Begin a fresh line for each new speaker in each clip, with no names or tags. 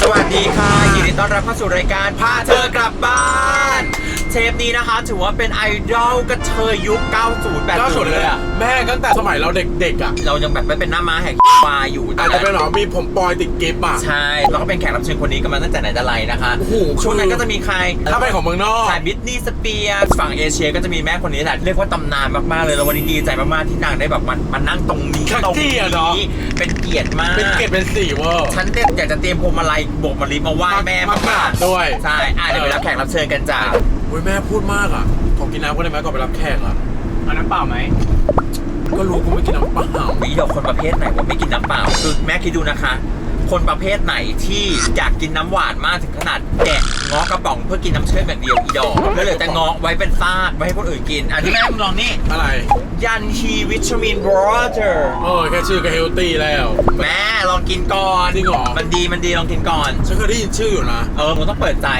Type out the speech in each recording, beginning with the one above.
สวัสดีค่ะยินดีต้อนรับเข้าสู่รายการพาเธอกลับบ้านเทปนี้นะคะถือว่าเป็นไอดอลกระเทยยุค 90 แบบ90เลยอะ
แม่ตั้งแต่สมัยเราเด็กๆอ่ะ
เรายังแบบไม่เป็นหน้าม้าแห่งวาอยู่
อาจจะเป็นหรอมีผมปอยติดกิฟต์อ่ะ
ใช่แล้วก็เป็นแขกรับเชิญคนนี้กันมาตั้งแต่ไหนแต่ไรนะคะช่วงนั้นก็จะมีใคร
ถ้าเป็นของเมืองนอก
ใช่บิทนี่สเปียร์ฝั่งเอเชียก็จะมีแม่คนนี้แหละเรียกว่าตำนานมากๆเลยแล้ววันนี้ดีใจมากๆที่นางได้แบบมานั่งตรงนี้ตรงนี้เป็นเกียรติมาก
เป็นเกียรติเป็นสีเวอร์
ฉันอยากจะเตรียมพวงมาลัยโบกมะลิมาไหว้แม่มาก
ๆด้วย
ใช่เดี๋ยวไปรับแขกรับเชิญกันจ้า
โอ้ยแม่พูดมากอ่ะขอกินน้ำก็ได้ไหมก่อนไปรับแขกอ่ะ
เอาน้ำเปล่าไหม
ก็รู้กูไม่กินน้ำเปล่า
วิดอกคนประเภทไหนว่าไม่กินน้ำเปล่าคือแม่คิดดูนะคะคนประเภทไหนที่อยากกินน้ำหวานมากถึงขนาดแกะง้อกระป๋องเพื่อกินน้ำเชื่อมอย่างเดียวอีดอกแล้วเหลือแต่ง้อไว้เป็นซากไว้ให้คนอื่นกินที่แม่มึงลองนี่
อะไร
ยันฮีวิตามินวอเตอร์
แค่ชื่อก็เฮลตี้แล้ว
แม่ลองกินก่อน
จริงเหรอ
มันดีลองกินก่อน
ฉันเคยได้ยินชื่ออยู่นะ
มึงต้องเปิดใจ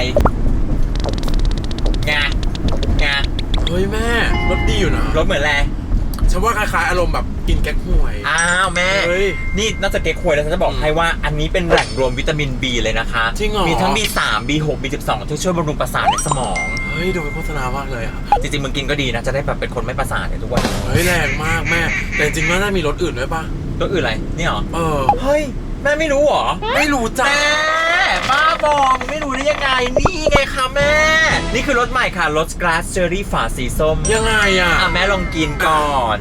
ไง
เฮ้ยแม่รสดีอยู่นะ
รสเหมือนอะไร
ฉันว่าคล้ายๆอารมณ์แบบกินแก๊กฮวย
อ้าวแม่นี่นอกจากเก๊กฮวยแล้วฉันจะบอกให้ว่าอันนี้เป็นแหล่งรวมวิตามิน B เลยนะคะ
จริงเหรอ
มีทั้ง B3 B6 B12 ที่ช่วยบำรุงประสาทในสมอง
เฮ้ยดูเป็นโฆษณามากเลยอ่ะ
จริงๆมึงกินก็ดีนะจะได้แบบเป็นคนไม่ประสาทในทุกวัน
เฮ้ยแรงมากแม่แต่จริงๆน่ามีรสอื่นด้วยป่ะ
รสอื่นอะไรนี่หรอเฮ้ยแม่ไม่รู้หรอ
ไม่รู้จ้า
แม่บ้าบอมึงไม่รู้ได้ยังไงนี่ไงคะแม่นี่คือรสใหม่ค่ะรสกราสเชอร์รี่ฝาสีส้ม
ยังไงอ่ะ
แม่ลองกินก่อน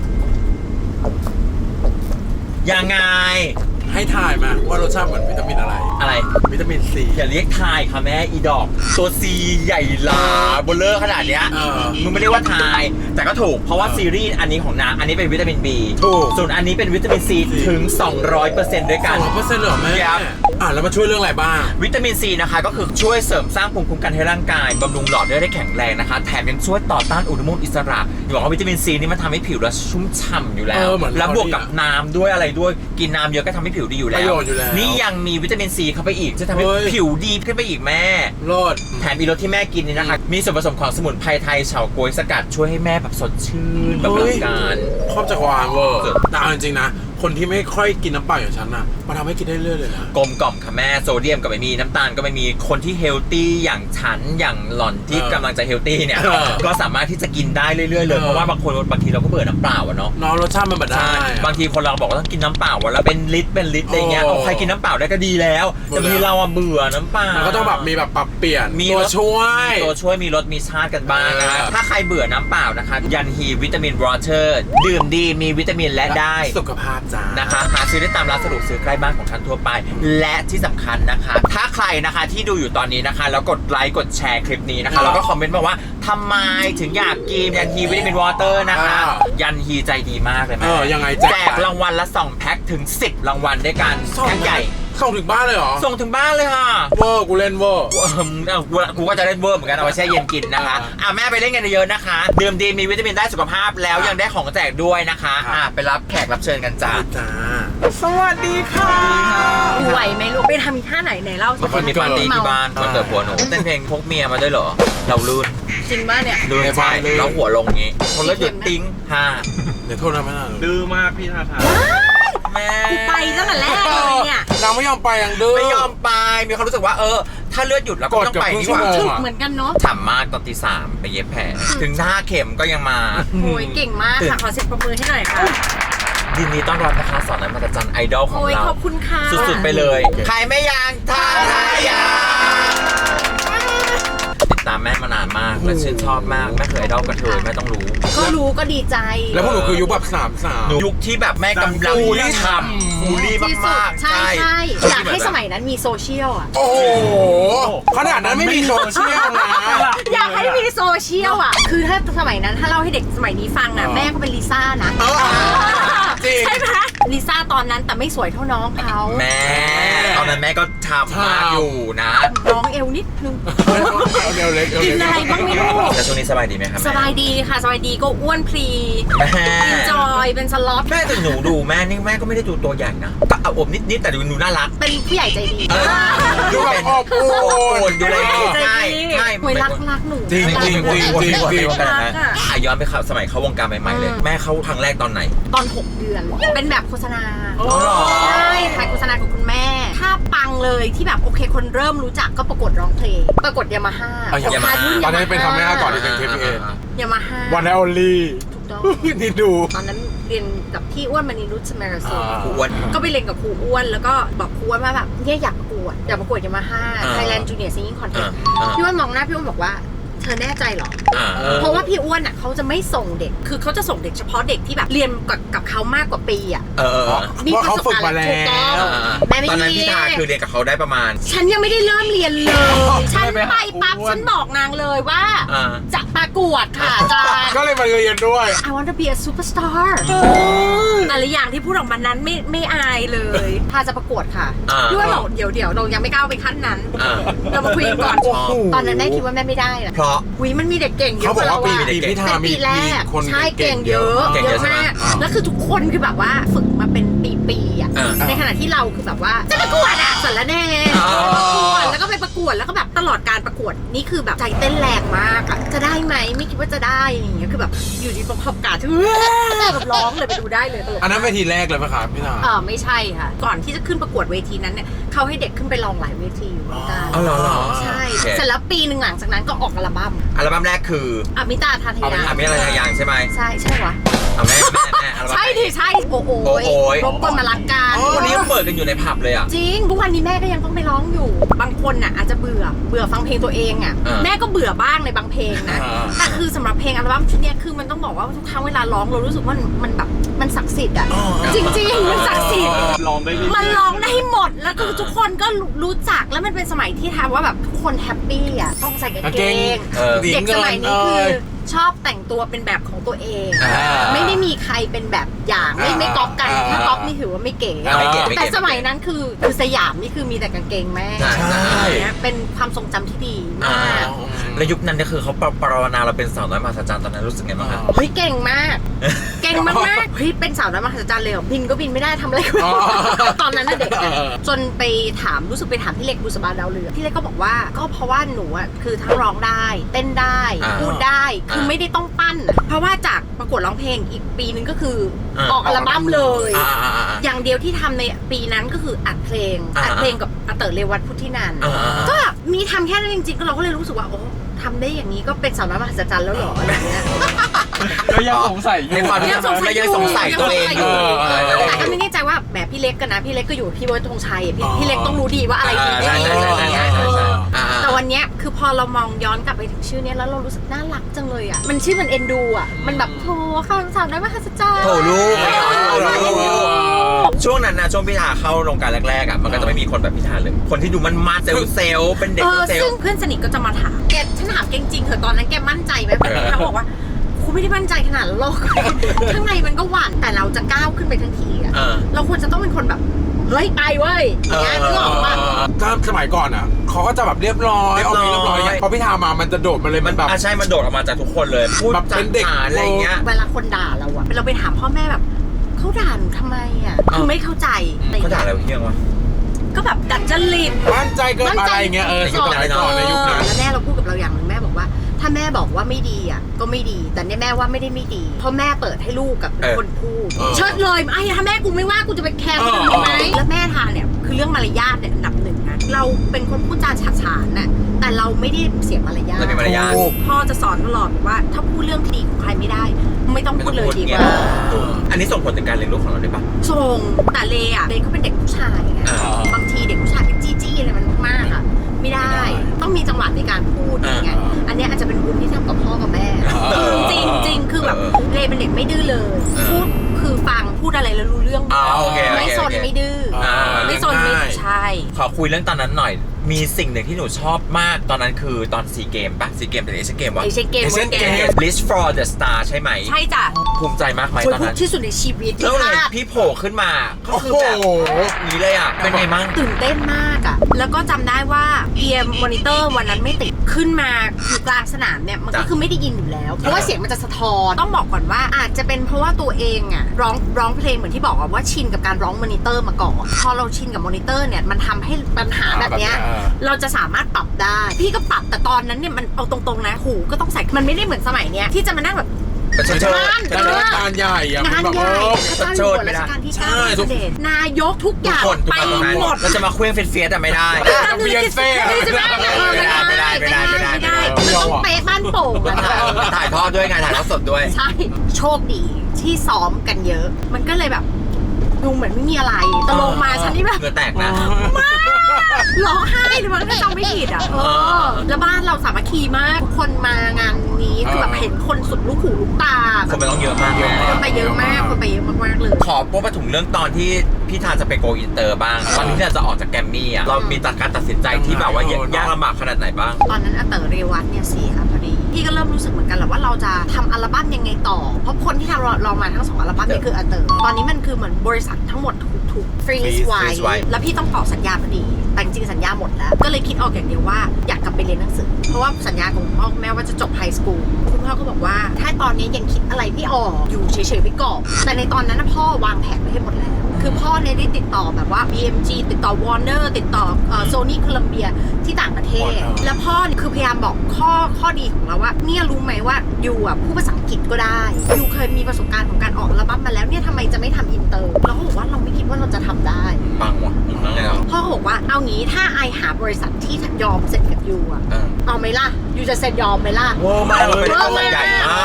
ยังไง
ให้ถ่ายมาว่ารสชาติเหมือนวิตามินอะไรวิตามินซี
อย่าเรียกทายค่ะแม่อีดอกตัวซีใหญ่ลาเบลเลอร์ขนาดเนี้ยมึงไม่เรียกว่าทายแต่ก็ถูกเพราะว่าซีรีส์อันนี้ของนางอันนี้เป็นวิตามิน B
ถูก
ส่วนอันนี้เป็นวิตามิน C ถึง 200% ด้วยกัน
200%เหรอแม่แล้วมาช่วยเรื่องอะไรบ้าง
วิตามิน C นะคะก็คือช่วยเสริมสร้างภูมิคุ้มกันให้ร่างกายบำรุงหลอดเลือดได้แข็งแรงนะคะแถมยังช่วยต่อต้านอนุมูลอิสระอย่างว่าวิตามิน C นี่มันทำให้ผิวเราชุ่มฉ่ำอยู่แล้วแล้วบวกกับน้ำด้วยอะไรด้วยกินน้ำเยอะก็ทำให้ผิวดีอยู่แล้วนี่ยังมีวิตามิน C เข้าไปอีกจะทำให้ผิวดีขึ้นไปอีกแม่
รอด
แถมอีรสที่แม่กินนี่นะคะมีส่วนผสมของสมุนไพรไทยเฉาก๊วยสกัดช่วยให้แม่แบบสดชื่นแบบร่างกาย
ครอบจักรวาลเวอร์แต่จริงๆนะคนที่ไม่ค่อยกินน้ำเปล่าอย่างฉันนะมันทำให้กินได้เรื่อยเลยนะ
กลมกล่อมค่ะแม่โซเดียมก็ไม่มีน้ำตาลก็ไม่มีคนที่เฮลตี้อย่างฉันอย่างหล่อนที่กำลังจะเฮลตี้เนี่ยก็สามารถที่จะกินได้เรื่อยๆเลยเพราะว่าบางทีเราก็เบื่อน้ำเปล่าอะเนาะ
รสชาติมันแบบได้
บางทีคนเราบอกว่าต้องกินน้ำเปล่าวันละเป็นลิตรอะไรเงี้ยใครกินน้ำเปล่าได้ก็ดีแล้วแต่บางทีเราเบื่อน้ำเปล่า
ก็ต้องแบบมีแบบปรับเปลี่ยน
มี
ตัวช่วย
มีรสมีชาติกันบ้างนะถ้าใครเบื่อน้ำเปล่านะคะยันฮีวิตามินวอเตอร์ดื่มดีมีวิตามินและได้
สุขภาพจ้า
นะคะหาซื้อได้ตามร้านสะดวกซื้อใกล้บ้านของท่านทั่วไปและที่สำคัญนะคะถ้าใครนะคะที่ดูอยู่ตอนนี้นะคะแล้วกดไลค์กดแชร์คลิปนี้นะคะแล้วก็คอมเมนต์มาว่าทำไมถึงอยากกินยันฮีวิตามินวอเตอร์นะคะยันฮีใจดีมากเลยแม่
ยังไง
แจกรางวัลละ2แพ็คถึง10รางวัลด้วยกันแพ็คใหญ่
ส่งถึงบ้านเลยเหรอ
ส่งถึงบ้านเลยค่ะ
เวอร์กูเล่นเวอร์
กูก็จะเล่นเวอร์เหมือนกันเอาไว้แช่เย็นกินนะคะแม่ไปเล่นกันเยอะนะคะดื่มดีมีวิตามินได้สุขภาพแล้วยังได้ของแจกด้วยนะคะไปรับแขกรับเชิญกันจ้า
สวัสดีค่ะ
ไหวไหมลูกไปทำท่าไหนเล่า
สักคนมีปาร์ตี้ที่บ้านวันเกิดผัวหนูเต้นเพลงพกเมียมาด้วยเหรอเราลื่น
จริงป่ะเนี่ย
ลื่นใช่แล้วหัวลงงี้คนละหยุดติ้ง
เดี๋ยวโทษนะแม่
ดื้อมากพี่ทาทา
แม่
กูไปตั้งแต่แรกเลยเนี่ย
นางไม่ยอมไปอย่างดื้อ
ไม่ยอมไปมีความรู้สึกว่าถ้าเลือดหยุดแล้วก็ต้องไปนี่หว่า
ถึกเหมือนกันเนาะ
ฉ่ำมากตอนตี 3ไปเย็บแผลถึง5 เข็มก็ยังมา
โอ้ยเก่งมากค่ะขอเสียงปรบมือให้หน่อยค่ะ
ยินดีต้อนรับนะคะสอนนันมาตจันไอดอลของเรา
ขอบคุณค่ะ
สุดๆไปเลยใครไม่ยังท่าทายาติดตามแม่มานานมากและชื่นชอบมากแม่เคยไอดอลกระเทยแม่ต้องรู้
ก็ดีใจ
แล้วพวกหนูคือยุคแบบ3
ยุคที่แบบแม่กำลังทำบูลลี่มาก
ๆใช่อยากให้สมัยนั้นมีโซเชียลอ่ะ
โอ้โหขนาดนั้นไม่มีโซเชียลนะ
อยากให้มีโซเชียลอ่ะคือถ้าสมัยนั้นถ้าเล่าให้เด็กสมัยนี้ฟังนะแม่ก็เป็นลิซ่านะใช่ไหมลิซ่าตอนนั้นแต่ไม่สวยเท่าน้องเขา
แม่ตอนนั้นแม่ก็ทำมากอยู่นะ
น้องเอวนิดนึงกินอะไรบ้างไม่รู้
แต่ช่วงนี้สบายดีไหมครับ
สบายดีค่ะสบายดีก็อ้วนพลีกินจอยเป็นสล็อต
แม่แต่หนูดูแม่นี่แม่ก็ไม่ได้ดูตัวใหญ่นะก็อบนิดแต่ดูน่ารัก
เป็นผู้ใหญ่ใจดี
ดูเป็น
อบอุ่น
ดูแลง่ายง่าย
หวยรักหนู
จริงจริงจริงจริงจริง
ย้อนไปสมัยเข้าวงการใหม่ๆเลยแม่เข้าครั้งแรกตอนไหน
ตอน 6 เดือน เป็นแบบโฆษณา
อ๋อเหรอ
ใช่ถ่ายโฆษณาของคุณแม่ ถ้าปังเลยที่แบบโอเคคนเริ่มรู้จักก็ประกวดร้องเพลง ประกวดยามาฮ่า
ตอนนั้นเป็นทำแม่ก่อนที่เป็น KPN
ยามาฮ่า
วันแอลลี่
ถูกต้อง
นี่ดู
ตอนนั้นเรียนกับพี่อ้วนมณีนุชสเมรสุน
ครูอ้วน
ก็ไปเรียนกับครูอ้วนแล้วก็บอกครูอ้วนว่าแบบเนี่ยอยากประกวดยามาฮ่า Thailand Junior Singing Contest พี่อ้วนมองหน้าพี่อ้วนบอกว่าเธอแน่ใจเหรอ เพราะว่าพี่อ้วนอ่ะเขาจะไม่ส่งเด็ก คือเขาจะส่งเด็กเฉพาะเด็กที่แบบเรียนกับเขามากกว่าปีอ่ะ
เพราะเขาฝึกมาแล้ว
ถูกต้องแม่ไม่
ตอนนั้นพี่ทาคือเรียนกับเขาได้ประมาณ
ฉันยังไม่ได้เริ่มเรียนเลย ฉันไปปั๊บฉันบอกนางเลยว่า จะประกวดค่ะอาจารย์
ก็เลยมาเรียนด้วย
I want to be a superstar แต่ละอย่างที่พูดออกมานั้นไม่อายเลยถ้าจะประกวดค่ะพี่ว่าบอกเดี๋ยวเรายังไม่ก้าวไปขั้นนั้น เรามาคุยกันก่อน ตอนนั้นแม่คิดว่าแม่ไม่ได้นะ
เพราะ
วิมันมีเด็กเก่งเย
เขา
อะ
บอกว่าปี
เราอะ
พิธามี
ปีแรก
คน
ใช่เก่งเยอะ
เก่งเยอะ
มาก
ใช่ไหม
แล้วคือทุกคนคือแบบว่าฝึกมาเป็นปีๆอ่ะในขณะที่เราคือแบบว่าจะประกวดอ่ะสารแน่ประกวดแล้วก็ไปประกวดแล้วก็แบบตลอดการประกวดนี่คือแบบใจเต้นแรงมากอะจะได้ไหมไม่คิดว่าจะได้อย่างเงี้ยคือแบบอยู่ดีประกอบการที่แบบร้องเลยไปดูได้เลยตลก
อันนั้นเวทีแรกเลยปะครับพี่ธา
ไม่ใช่ค่ะก่อนที่จะขึ้นประกวดเวทีนั้นเนี่ยเขาให้เด็กขึ้นไปลองหลายเวทีอยู่เหมือนกัน
อ๋อเหรอ
ใช่เสร็จแล้วปีหนึ่งหลังจากนั้นก็ออกอัลบั้ม
อัลบั้มแรกคือ
อมิตาทาทยา
อมิอะไรอย่างใช่ไหม
ใช่วะ
เอาแม่อัลบั้ม
ใช่ดิใช่โอ้โห
โอ้โห
รบกวนมารักกัน
วันนี้ยังเปิดกันอยู่ในผับเลยอ่ะ
จริงทุกวันนี้แม่ก็ยังต้องไปร้องอยู่ บางคนน่ะอาจจะเบื่อฟังเพลงตัวเองอ่ะแม่ก็เบื่อบ้างในบางเพลงนะแต่คือสำหรับเพลงอัลบั้มชุดเนี้ยคือมันต้องบอกว่าทุกครั้งเวลาร้องเรารู้สึกว่ามันแบบมันศักดิ์สิทธิ์อ่ะจริงๆมันศักดิ์สิทธิ์
ลองได้เรื่อยๆ
มันร้องได้หมดแล้วคือทุกคนก็รู้จักแล้วมันเป็นสมัยที่ทำว่าแบบทุกคนแฮปปี้อ่ะต้องใส่กางเกงเด็กสมัยนี้คือชอบแต่งตัวเป็นแบบของตัวเอง ไม่ได้มีใครเป็นแบบอย่างไม่ก๊อปกันถ้าก๊อปนี่ถือว่าไม่เก๋แต่สมัยนั้นคือสยามนี่คือมีแต่กางเกงแม่เป็นความทรงจำที่ดีมาก
แล้วยุคนั้นก็คือเขาปรารถนาเราเป็นสาวน้อยมหัศจรรย์ตอนนั้นรู้สึกไงบ้างคะ
เฮ้ยเก่งมากเก่งมากเฮ้ยเป็นสาวน้อยมหัศจรรย์เลยเหรอบินก็บินไม่ได้ทำอะไรก็ไม่ได้ตอนนั้นน่ะเด็กจนไปถามรู้สึกไปถามพี่เล็กบุษบาดาวเรืองพี่เล็กก็บอกว่าก็เพราะว่าหนูอ่ะคือทั้งร้องได้เต้นได้พูดได้คือไม่ได้ต้องปั้นเพราะว่าจากประกวดร้องเพลงอีกปีนึงก็คือออกอัลบั้มเลยอย่างเดียวที่ทำในปีนั้นก็คืออัดเพลงกับอาเต๋อเรวัตพุทธินันท์ก็มีทำแค่นั้นจริงๆเราก็เลยรู้สึกว่าโอ้ทำได้อย่างนี้ก็เป็นสาวน้อยมหัศจรรย์แล้วเหรออะไรเงี้ย
ก็ยังสงสัยอยู่
ในความที่ยังสงสัยตัวเองอยู่
แต่ก็ไม่แน่ใจว่าแบบพี่เล็กกันนะพี่เล็กก็อยู่กับพี่เบิร์ดธงชัยพี่เล็กต้องรู้ดีว่าอะไรดีไม่ดีอะไรอย่างเงี้ยแต่วันเนี้ยคือพอเรามองย้อนกลับไปถึงชื่อเนี้ยแล้วเรารู้สึกน่ารักจังเลยอ่ะมันชื่อมันเอ็นดูอ่ะมันแบบโธ่ค่ะสาวน้อยมหัศจรรย์
โถลูกช่วงนั้นนะช่วงพี่ทาเข้าโรงการแรกๆอ่ะมันก็จะไม่มีคนแบบพี่ทาเลยคนที่ดูมันมาเซลล์เป็นเด็กเซล
ซึ่ง
ล์
เพื่อนสนิทก็จะมาถามแกฉันถามแกจริงๆเถอะตอนนั้นแกมั่นใจไหมเขาบอกว่ากูไม่ได้มั่นใจขนาดนั้นหรอกข้างในมันก็หวั่นแต่เราจะก้าวขึ้นไปทั้งทีอ่ะเราควรจะต้องเป็นคนแบบเฮ้ยไปเว้ยอย่างเงี้ยนึกออกป่ะ
ถ้าสมัยก่อนอ่ะเขาก็จะแบบเรียบร้อยเอาเรียบร้อยพอพี่ธามามันจะโดดมาเลยมันแบบ
ใช่มันโดดออกมาจากทุกคนเลยพูด
แบบเป็นเด็ก
อะไรเงี้ย
เวลาคนด่าเราอะเราไปถามพ่อแม่แบบเขาด่าหนูทำไมอะคือไม่เข้าใจ
เขาด่าอะไรเพี้ยงวะ
ก็แบบดัดจริต
มั่นใจเกินอะไรเงี้ยสมัยก่อนในยุคนั้น
แล้วแม่เราพูดกับเราอย่างหนึงแม่บอกว่าถ้าแม่บอกว่าไม่ดีอ่ะก็ไม่ดีแต่เนี่ยแม่ว่าไม่ได้ไม่ดีเพราะแม่เปิดให้ลูกกับคนพูดเชิดเลยไอ้ถ้าแม่กูไม่ว่ากูจะไปแคร์คนอื่นทำไมแล้วแม่ทานเนี่ยคือเรื่องมารยาทเนี่ยอันดับหนึ่งนะเราเป็นคนพูดจาฉาฉานน่ะแต่เราไม่ได้เสียมารยาท
เราเป็นมารยาท
พ่อจะสอนตลอดว่าถ้าพูดเรื่องที่ดีของใครไม่ได้ ไม่ต้องพูดเลยดีกว่า
อันนี้ส่งผลถึงการเลี้ยงลูกของเราได้ปะ
ส่งแต่เลอะเขาเป็นเด็กผู้ชายไงบางทีเด็กผู้ชายเป็นจี้ๆอะไรมันมากๆอะไม่ได้ต้องมีจังหวะในการพูดอย่างเงี้ยอันนี้อาจจะเป็นบุญที่ทำกับพ่อกับแม่จริงคือแบบเลเป็นเด็กไม่ดื้อเลยพูดคือฟังพูดอะไรแล้วรู้เรื่องไม่ซนไม่ดื้อไม่ซนไม่ใช่
ขอคุยเรื่องตอนนั้นหน่อยมีสิ่งหนึ่งที่หนูชอบมากตอนนั้นคือตอน4 เกมปะ4 เกมเป็นเอเชียนเกมวะ
เอเชียนเกม
List for the Star ใช่ไหม
ใช่จ้ะ
ภูมิใจมากไหมตอนนั้น
ที่สุดในชีวิต
แล้วเลยพี่โผล่ขึ้นมาก็คือแบบนี้เลยอ่ะเป็นไงมั่ง
ตื่นเต้นมากอ่ะแล้วก็จำได้ว่าเอียมมอนิเตอร์วันนั้นไม่ติดขึ้นมาอยู่กลางสนามเนี่ยมันก็คือไม่ได้ยินอยู่แล้วเพราะว่าเสียงมันจะสะท้อนต้องบอกก่อนว่าอาจจะเป็นเพราะว่าตัวเองอ่ะร้องเพลงเหมือนที่บอกว่าชินกับการร้องมอนิเตอร์มาก่อนพอเราชินกับมอนิเตอร์เนี่ยมันทำให้ปัญหาแบบเนี้ยเราจะสามารถปรับได้พี่ก็ปรับแต่ตอนนั้นเนี่ยมันเอาตรงๆนะหูก็ต้องใส่มันไม่ได้เหมือนสมัยเนี้ยที่จะมานั่งแบบ
ประชาชน
แต่งานใหญ่อะ
งาน
แบบ
ใหญ่
ประ
พระ
ชา
เจ้า
ช
อน ยู่หัวรัชกาลที่
ใช่
9
ทุก
เสด็จนายกทุกอย่าง
คน
ไปหมด
เราจะมาเคลื่อนเฟียสแต่ไม่ได้
เบียนเฟ่
ไม่ได้
มันต้องเป๊ะบ้านโป่งอะค่ะ
ถ่ายทอดด้วยไงถ่ายทอดสดด้วย
ใช่โชคดีที่ซ้อมกันเยอะ มันก็เลยแบบดูเหมือนไม่มีอะไรแต่ลงมาฉันนี่แบบ
เหงื่อแตกนะ
ร้องไห้เลยมันก็จำไม่ผิดอ่ะแล้วบ้านเราสามัคคีมากทุกคนมางานนี้คือแบบเห็นคนสุดลูกหูลูกตา
คนไปต้องเยอะมาก
คนไปเยอะมากคนไปเยอะมากๆเลย
ขอพูดมาถึงเรื่องตอนที่พี่ทานจะไปโกอินเตอร์บ้างตอนที่เราจะออกจากแกรมมี่อ่ะเรามีการตัดสินใจที่แบบว่ายากลำบากขนาดไหนบ้าง
ตอนนั้นอาเต๋อเรวัตเนี่ยเสียพอดีพี่ก็เริ่มรู้สึกเหมือนกันแหละว่าเราจะทำอัลบั้มยังไงต่อเพราะคนที่ทำเรามาทั้ง2อัลบั้มนี่คืออาเต๋อตอนนี้มันคือเหมือนบริษัททั้งหมดถูกฟรีซไว้แล้วพี่ต้องต่อสัญญาพอดีแต่จริงๆสัญญาหมดแล้วก็เลยคิดออกอย่างเดียวว่าอยากกลับไปเรียนหนังสือเพราะว่าสัญญาของคุณพ่อคุณแม่ว่าจะจบไฮสคูลคุณพ่อก็บอกว่าถ้าตอนนี้ยังคิดอะไรไม่ออกอยู่เฉยๆไว้ก่อนแต่ในตอนนั้นพ่อวางแผนไว้ให้หมดแล้วคือพ่อเนี่ยได้ติดต่อแบบว่า BMG ติดต่อ Warner ติดต่อSony Columbia ที่ต่างประเทศแล้วพ่อเนี่ยคือพยายามบอกข้อดีของเราว่าเนี่ยรู้ไหมว่าอยู่อ่ะพูดภาษาอังกฤษก็ได้อยู่เคยมีประสบการณ์ของการออกอัลบั้มมาแล้วเนี่ยทำไมจะไม่ทำอินเตอร์เราก็บอกว่าเราไม่คิดว่าเราจะทำได้
ปังว่ะแล้ว
พ่อบอกว่าเอางี้ถ้าไอหาบริษัทที่ยอมเซ็นกับยูอ่ะเอาไหมล่ะยูจะเซ็นยอมไหมล่ะ
โว้มากเราเป็นต้นใหญ่มาก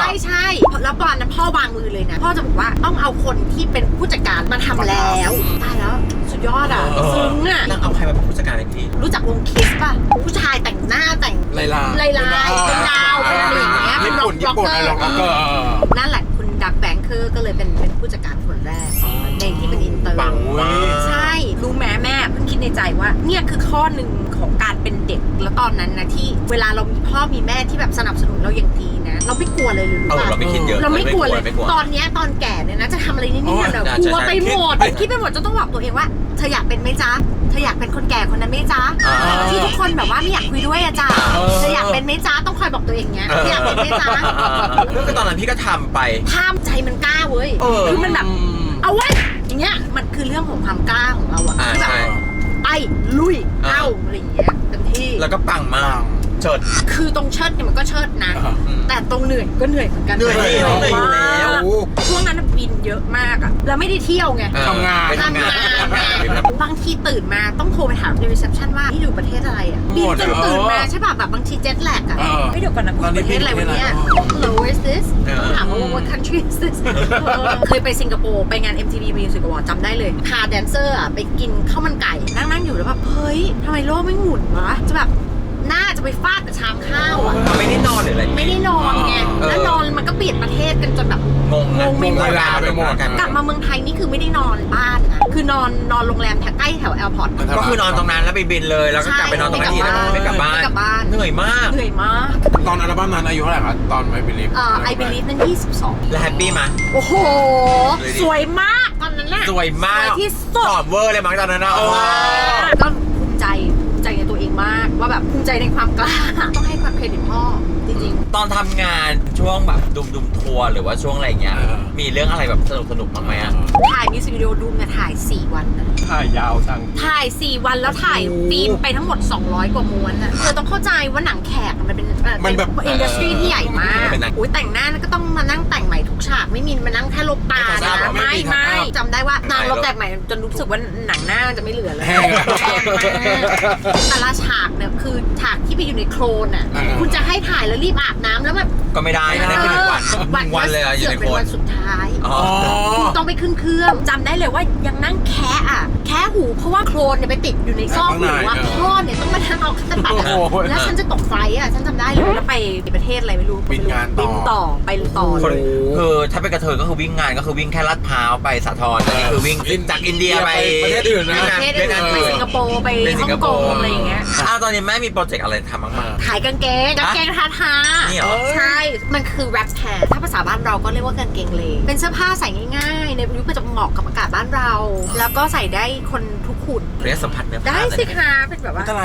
ใช่แล้วตอนนั้นพ่อวางมือเลยนะพ่อจะบอกว่าต้องเอาคนที่เป็นผู้จัดการมาทำแล้วตายแล้วสุดยอดอ่ะซึ้งอ่ะ
นั่งเอาใครมาเป็นผู้จัดการให้พี่
รู้จักวงคิสป่ะผู้ชายแต่งหน้าแต่ง
ลาย
เป็นดาวเป็นอะไรอย่างเงี้ยเป็นร็อกเกอร์ นั่นแหละคุณดักแบงค์คือก็เลยเป็นผู้จัดการคนแรกในที่เป็นอินเตอร์
ปังมาก
ใช่รู้แม่เพิ่งคิดในใจว่าเนี่ยคือข้อหนึ่งของการเป็นเด็กแล้วตอนนั้นนะที่เวลาเรามีพ่อมีแม่ที่แบบสนับสนุนเราอย่างดีนะเราไม่กลัวเลยหรือ
เราไม่คิดเยอะ
เราไม่กลัวเลยตอนเนี้ยตอนแก่เนี่ยนะจะทำอะไรนิดๆหน่อยๆกลัวไปหมดคิดไปหมดจนต้องบอกตัวเองว่าเธออยากเป็นไหมจ๊ะเธออยากเป็นคนแก่คนนั้นไหมจ๊ะที่ทุกคนแบบว่าไม่อยากคุยด้วยอะจ๊ะเธออยากเป็นไหมจ๊ะต้องคอยบอกตัวเองเงี้ยอยากเป็นไหมจ๊ะ
ก็ตอนนั้นพี่ก็ทำไป
ห้ามใจมันกล้าเว้ยคือมันแบบเอาไว้อย่างเงี้ยมันคือเรื่องของความกล้าของเราอะที่แบบไปลุยเอาอะไรอย่างเงี้ยเต็มที่
แล้วก็ปังมากเฉิด
คือตรงเชิดเนี่ยมันก็เชิดนะ แต่ตรงเหนื่อยก็เหนื่อยเหมือนกัน
เหนื่อยอยู่แล้ว
ช่วงนั้นบินเยอะมากอะแล้วไม่ได้เที่ยวไง
ทำงาน
บางทีตื่นมาต้องโทรไปถามในรีเซพชันว่าที่อยู่ประเทศอะไรอะบินจนตื่นมาใช่ป่ะแบบบางทีเจ็ตแลกอะไม่เดี๋ยวก่อนนะคุณประเทศอะไรวันนี้ Hello where is this ต้องถามว่า what country is this เคยไปสิงคโปร์ไปงาน MTV Music Award จำได้เลยพาแดนเซอร์อะไปกินข้าวมันไก่นั่งอยู่แล้วแบบเฮ้ยทำไมโลกไม่หมุนวะจะแบบน่าจะไปฟาดกับชามข้าวอ่ะ
ไม่ได้นอนหรืออะไร
ไม่ได้นอนไงแล้วนอนมันก็เปลี่ยนประเทศกันจนแบบ
งง
ไม่หมด
เวลาไปหมด
กลับมาเมืองไทยนี่คือไม่ได้นอนบ้านนะคือนอนโรงแรมใกล้แถวแอร์พอร์ต
ก็คือนอนตรงนั้นแล้วไปบินเลยแล้วก็กลับไปนอนตรงนั้นทีแล้วไม่กลับบ้านเหนื่อยมาก
เหนื่อยมาก
ตอนอัลบั้มนั้นอายุเท่าไหร่คะตอนไอบิลิฟ
ไอบิลีฟนั่น22
แล้วแฮปปี้มา
โอ้โหสวยมากตอนนั้นน่ะ
สวยมาก
สวยที่สุ
ต
ด
อบเวอร์เลยมั้งตอนนั้นนะ
ก็ภูมิใจในตัวเองมากว่าแบบภูมิใจในความกล้าต้องให้ความเครดิตพ่อจริงๆ
ตอนทำงานช่วงแบบดุมทัวร์หรือว่าช่วงอะไรเงี้ยมีเรื่องอะไรแบบสนุกบ้างไหมอ่ะ
ถ่ายมิวสิกวิดีโอดูมเนี่ยถ่าย4 วันนะ
ถ่ายยาวจัง
ถ่าย 4 วันแล้วถ่ายฟิล์มไปทั้งหมด200 กว่าม้วนอ่ะเธอต้องเข้าใจว่าหนังแขกมันเป็นอินดัสทรีที่ใหญ่มากอุ้ยแต่งหน้าก็ต้องมานั่งแต่งใหม่ทุกฉากไม่มีมานั่งแค่ลบตานะไม่จำได้ว่านางลบแต่งใหม่จนรู้สึกว่าหนังหน้าจะไม่เหลือเลยแต่ละฉากเนี่ยคือฉากที่ไปอยู่ในโคลนอ่ะคุณจะให้ถ่ายแล้วรีบอาบน้ำแล้วแบบ
ก็ไม่ได้นะคือ1 วันเลยอะอยู่ในโคน
วันสุดท้ายต้องไปขึ้นเครื่องจำได้เลยว่ายังนั่งแคะหูเพราะว่าโคลนเนี่ยไปติดอยู่ในซอกหูว่าพ่อเนี่ยต้องมาทำเอาขั้นตัดแล้วฉันจะตกไฟอ่ะฉันจำได้เลยแล้วไปประเทศอะไรไม่รู้บินต่อไปต่อเลย
คือถ้าเป็นกระเทยก็คือวิ่งงานก็คือวิ่งแค่ลาดพร้าวไปสาทรอันนี้คือวิ่งจากอินเดียไป
ประเทศอื่นนะ
ไปสิงคโปร์ไปฮ่องกงอะไรอย่างเงี้ย
ตอนนี้แม่มีโปรเจกต์อะไรทำบ้างไหม
ขายกางเกงทา
นี่เหรอ
ใช่มันคือแรปแพร์ถ้าภาษาบ้านเราก็เรียกว่ากางเกงเลเป็นเสื้อผ้าใส่ง่ายๆในยุคปัจจุบันเหมาะกับอากาศบ้านเราแล้วก็ใส่ได้คนทุกขุน
เรียกสัมผัสเนื้อผ้า
ได้สิคะเป็นแบบว่า
ก็ลายสวย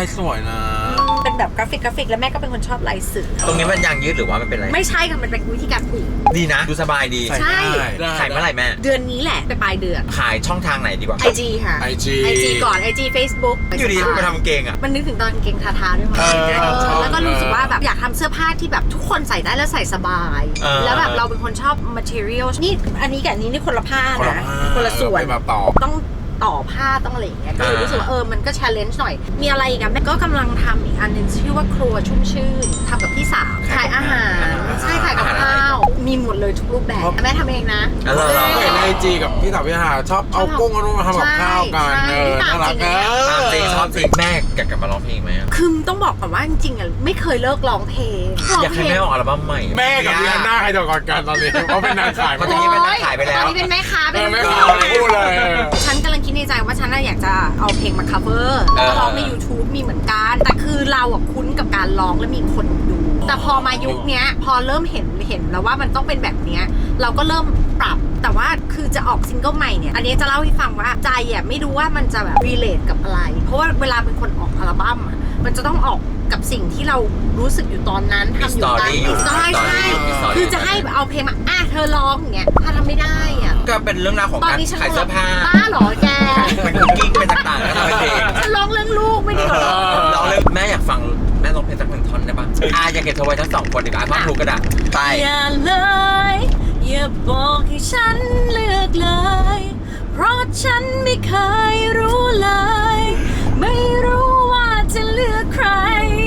อ่ะ
เป็นแบบกราฟิกแล้วแม่ก็เป็นคนชอบลายเสือ
ตรงนี้มันยางยืดหรือว่ามันเป็นอะไร
ไม่ใช่ค่ะมันเป็นวิธีการผูก
ดีนะ ดูสบายดี
ใช่
ขายเมื่อไหร่แม่
เดือนนี้แหละไปปลายเดือน
ขายช่องทางไหนดีกว่า
IG ค่ะ
IG
IG ก่อน IG Facebook
อยู่ดีมาทำเกงอ่ะ
มันนึกถึงตอนกางเกงทาๆด้วยมั้ง แล้วก็รู้สึกว่าแบบอยากทำเสื้อผ้าที่แบบทุกคนใส่ได้แล้วใส่สบาย แล้วแบบเราเป็นคนชอบ material นี่อันนี้กับอันนี้นี่คนละผ้านะคนละส่วน
แบบต่อ
ต้องต่อผ้าต้องอะไรอย่างเงี้ยก็เลยรู้สึกว่ามันก็ challenge หน่อย มีอะไรอีกอะแม่ก็กำลังทำอีกอันหนึงชื่อว่าครัวชุ่มชื่นทำกับพี่สาวขายอาหารใช่ขายกับข้าวมีหมดเลยทุกรูปแบบแม่ทำเองนะ
เห็นในไอจีกับพี่สาวพี่หาชอบเอากุ้งเอานุ่มมาทำกับข้าวกันน่ารักเน
ตาม
อะ
จริงชอบจริงแม่กลับมาร้องเพลงไหมอะ
คือต้องบอกก่อนว่าจริงๆอะไม่เคยเลิกร้องเพลง
อยากให้แม่ออกอัลบั้มใหม่
แม่กับพี่ฮันน่าใครจะก่อนกันตอนนี้เขาเป็นนางขาย
ตอนนี้เป็นนักขายไปแล้ว
ตอนนี้เป็นแม่ค้าเป็น
ไม่ขายพูดเลย
ฉันกำลังคิดในใจว่าฉันน่ะอยากจะเอาเพลงมา cover แล้วก็ร้องใน YouTube มีเหมือนกัน แต่คือเราอะคุ้นกับการร้องและมีคนดู แต่พอมายุคเนี้ยพอเริ่มเห็นแล้วว่ามันต้องเป็นแบบเนี้ยเราก็เริ่มปรับ แต่ว่าคือจะออกซิงเกิลใหม่เนี่ยอันนี้จะเล่าให้ฟังว่าใจอะไม่รู้ว่ามันจะแบบ relate กับอะไร เพราะว่าเวลาเป็นคนออกอัลบั้มอะมันจะต้องออกกับสิ่งที่เรารู้สึกอยู่ตอนนั้นทำอยู่ตอนนี้ใช่ใช่คือจะให้เอาเพลงมาเธอร้องอย่างเงี้ยถ้าทำไม่ได้อะ
ก็เป็นเรื่องราวของการขายเสื้อผ้า
บ้าเหรอแก
เป็นคุกกิ้งเป็นต่างๆแล้วทำเป็นเพลง
ฉันร้องเรื่องลูกไม่ดีกว่า
ร้องเลยแม่อยากฟังแม่ร้องเพลงสักหนึ่งท่อนได้ปะอยากเก็บเธอไว้ทั้งสองคนดีกว่าท่อนถูกกระดาษไป
อย่าเลยอย่าบอกให้ฉันเลือกเลยเพราะฉันไม่เคยรู้เลยไม่รู้ว่าจะเลือกใคร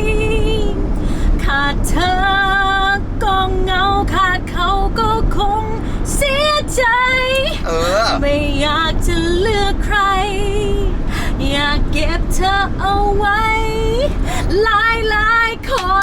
ขาดเธอก็เหงาขาดเขาก็คงเสียใจไม่อยากจะเลือกใครอยากเก็บเธอเอาไว้หลายคน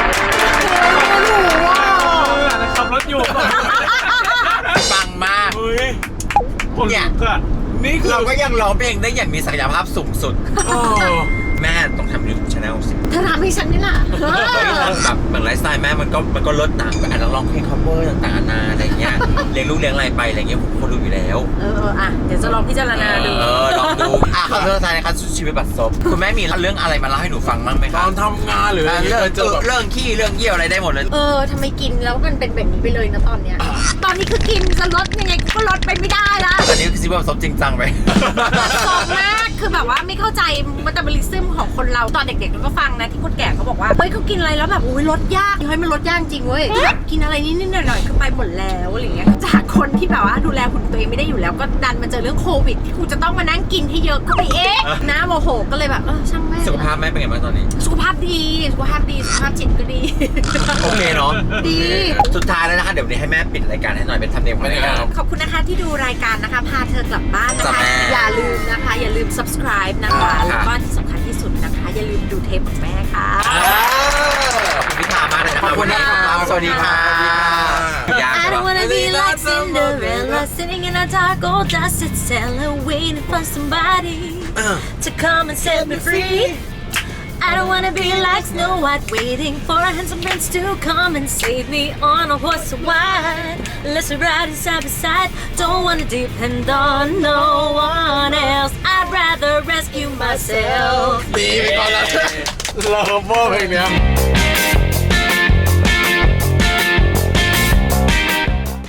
ขับรถอยู่
ฟังมาก
เฮ้ยคนลุกอะ
นี่คือ
เราก็ยังร้องเพลงได้อย่างมีศักยภาพสูงสุด แม่ต้องทำยูทูบชาแนลสิ
เธอทำให้ฉันนี่ล่ะ
แบบเหมือนไลฟ์สไตล์แม่มันก็ลดหนักแบบอาจจะร้องเพลง cover ต่างๆนานาอะไรเงี้ยเลี้ยงลูกเลี้ยงอะไรไปอะไรเงี้ยผมคนรู้อยู่แล้ว
เดี๋ยวจะลองพิจารณาดู
ลองดูขอโทษทายนะครับชีวิตบัดซบคุณแม่มีเรื่องอะไรมาเล่าให้หนูฟังบ้างไหมค
ต
รั
อบ นทำงานหรืออะไร
เรื่อง
เจอแบบ
เรื่องขี้เรื่องเยี่ยวอะไรได้หมดเลย
ทำไมกินแล้วมันเป็นแบบนี้ไปเลยนะตอนเนี้ย ตอนนี้คือกินจะลดยังไงก็ลดไปไม่ได้ละ
ตอนนี้คือชีวิตบัดซบจริงจังไป
สดมากคือแบบว่าไม่เข้าใจมันจะบริซึมของคนเราตอนเด็กๆเราก็ฟังนะที่คนแก่เขาบอกว่าเฮ้ยเขากินอะไรแล้วแบบอุ้ยลดยากเฮ้ยมันลดยากจริงเว้ยแบบกินอะไรนิดๆหน่อยๆคือไปหมดแล้วอะไรเงี้ยจากคนที่แบบว่าดูแลหุ่นตัวเองไม่ได้อยู่แล้วก็ดันมาเจอเรื่องโควิดที่กูจะต้องมานั่งกินให้เยอะก็ไปเองนะโมโหก็เลยแบบช่างแม่ง
สุขภาพแม่เป็นไงบ้างตอนนี้
สุขภาพดีสุขภาพจิตก็ดี
โอเคเนาะ
ดี
สุดท้ายแล้วนะคะเดี๋ยววันนี้ให้แม่ปิดรายการให้หน่อยเป็นทำเนียมของรายการ
ขอบคุณนะคะที่ดูรายการนะคะพาเธอกลับบ้านนะ
จ้ะ
คะ
แม่
อย่าลืมนะคะ อย่าลืม subscribe นะคะ แล้วก็ที่สำคัญที่สุดนะคะ อย่าลืมดูเทปของแม่ค่ะ
ขอบคุณพิธามากเลยนะครับวันนี้ครับสวัสดีค่ะ
I don't wanna be like Cinderella sitting in a dark old dusted cellar waiting for somebody to come and set me free. I don't wanna be like Snow White waiting for a handsome prince to come and save me on a horse so wide. Let's ride side by side. Don't wanna depend on no one else. I'd rather rescue myself.
ดีไปก่อนแล้วเราเวอร์เพลงเนี้ย